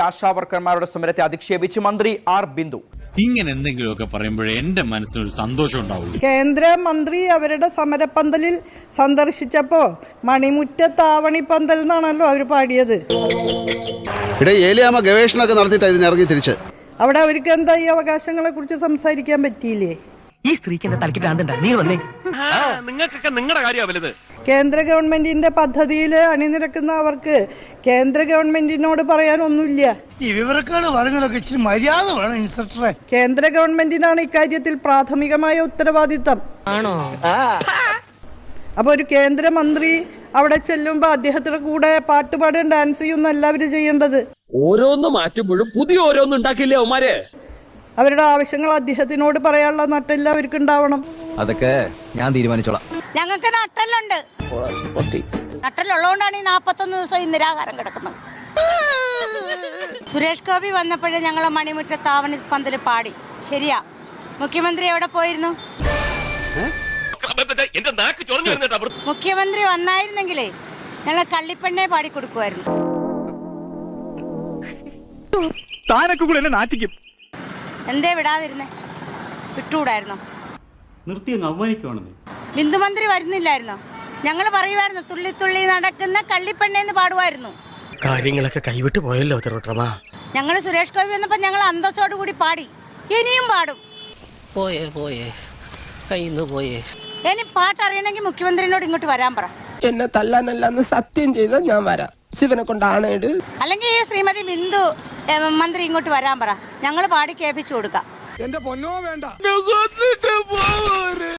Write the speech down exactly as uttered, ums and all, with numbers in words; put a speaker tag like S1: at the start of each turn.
S1: ആശാവർക്കർമാരുടെ സമരത്തെ അധിക്ഷേപിച്ച് മന്ത്രി ആർ ബിന്ദു.
S2: ഇങ്ങനെ എന്തെങ്കിലുമൊക്കെ പറയുമ്പോഴേ എന്റെ മനസ്സിനൊരു സന്തോഷം ഉണ്ടാവുള്ളൂ.
S3: കേന്ദ്രമന്ത്രി അവരുടെ സമരപ്പന്തലിൽ സന്ദർശിച്ചപ്പോ മണിമുറ്റത്താവണിപ്പന്തൽ എന്നാണല്ലോ അവർ പാടിയത്.
S4: ഏലിയാമ്മ ഗവേഷണമൊക്കെ നടത്തിയിട്ട് ഇതിനിറങ്ങി തിരിച്ച്
S3: അവിടെ അവർക്ക് എന്താ ഈ അവകാശങ്ങളെ കുറിച്ച് സംസാരിക്കാൻ പറ്റിയില്ലേ?
S5: ഈ സ്ത്രീക്ക് എന്താ തലയ്ക്ക് ഭ്രാന്തണ്ടാ? നീ വന്നേ.
S6: നിങ്ങൾക്കൊക്കെ നിങ്ങളുടെ കാര്യമാണ് വലുത്.
S3: കേന്ദ്ര ഗവൺമെന്റിന്റെ പദ്ധതിയിൽ അണിനിരക്കുന്ന അവർക്ക് കേന്ദ്ര ഗവൺമെന്റിനോട് പറയാനൊന്നുമില്ല.
S7: ഈ വിവരക്കാട് പറഞ്ഞതൊക്കെ ഇച്ചിരി മര്യാദ വേണം ഇൻസ്പെക്ടറെ.
S3: കേന്ദ്ര ഗവൺമെന്റിനാണ് ഇക്കാര്യത്തിൽ പ്രാഥമികമായ ഉത്തരവാദിത്തം.
S5: ആണോ?
S3: അപ്പൊ ഒരു കേന്ദ്രമന്ത്രി അവിടെ ചെല്ലുമ്പോ അദ്ദേഹത്തിന്റെ കൂടെ പാട്ടുപാടും ഡാൻസ് ചെയ്യുന്ന എല്ലാവരും ചെയ്യേണ്ടത്.
S8: ഓരോന്ന് മാറ്റുമ്പോഴും പുതിയ ഓരോന്നും ഉണ്ടാക്കില്ലേ അവന്മാര്.
S3: അവരുടെ ആവശ്യങ്ങൾ അദ്ദേഹത്തിനോട് പറയാനുള്ള നട്ടെല്ലാം അവർക്ക് ഉണ്ടാവണം.
S9: അതൊക്കെ ഞാൻ തീരുമാനിച്ചോളാം.
S10: ഞങ്ങൾക്ക് നട്ടലുണ്ട്. നട്ടലുള്ളതുകൊണ്ടാണ് ഈ നാപ്പത്തൊന്ന് ദിവസം ഈ നിരാഹാരം കിടക്കുന്നത്. സുരേഷ് ഗോപി വന്നപ്പോഴേ ഞങ്ങൾ മണിമുറ്റത്താവണി പന്തല് പാടി. ശരിയാ. മുഖ്യമന്ത്രി എവിടെ പോയിരുന്നു? മുഖ്യമന്ത്രി വന്നായിരുന്നെങ്കിലേ ഞങ്ങൾ കള്ളിപ്പെണ്ണെ പാടി കൊടുക്കുമായിരുന്നു. എന്തേ വിടാതിരുന്നേ? വിട്ടുകൂടായിരുന്നോ? ബിന്ദുമന്ത്രി വരുന്നില്ലായിരുന്നോ? ഞങ്ങൾ പറയുമായിരുന്നു തുള്ളി തുള്ളി നടക്കുന്ന കള്ളിപ്പെണ്ണേന്ന് പാടുമായിരുന്നു.
S5: കാര്യങ്ങളൊക്കെ കൈവിട്ട് പോയല്ലോ തിരുവട്ടമാ.
S10: ഞങ്ങൾ സുരേഷ് ഗോപി വന്നപ്പോ ഞങ്ങൾ അന്തസ്സോട് കൂടി പാടി. ഇനിയും പാടും.
S5: പോയേ പോയേ കയ്യിന്ന് പോയേ.
S10: ഇനി പാട്ടറിയണമെങ്കിൽ മുഖ്യമന്ത്രിനോട് ഇങ്ങോട്ട് വരാൻ പറ.
S5: എന്നെ തല്ലാനല്ലാന്ന് സത്യം ചെയ്താൽ ഞാൻ വരാം. ശിവനെ കൊണ്ടാണ്.
S10: അല്ലെങ്കിൽ ഈ ശ്രീമതി ബിന്ദു മന്ത്രി ഇങ്ങോട്ട് വരാൻ പറ. ഞങ്ങൾ പാടി കേൾപ്പിച്ചു കൊടുക്കാം.
S7: എന്റെ പൊന്നോ വേണ്ട.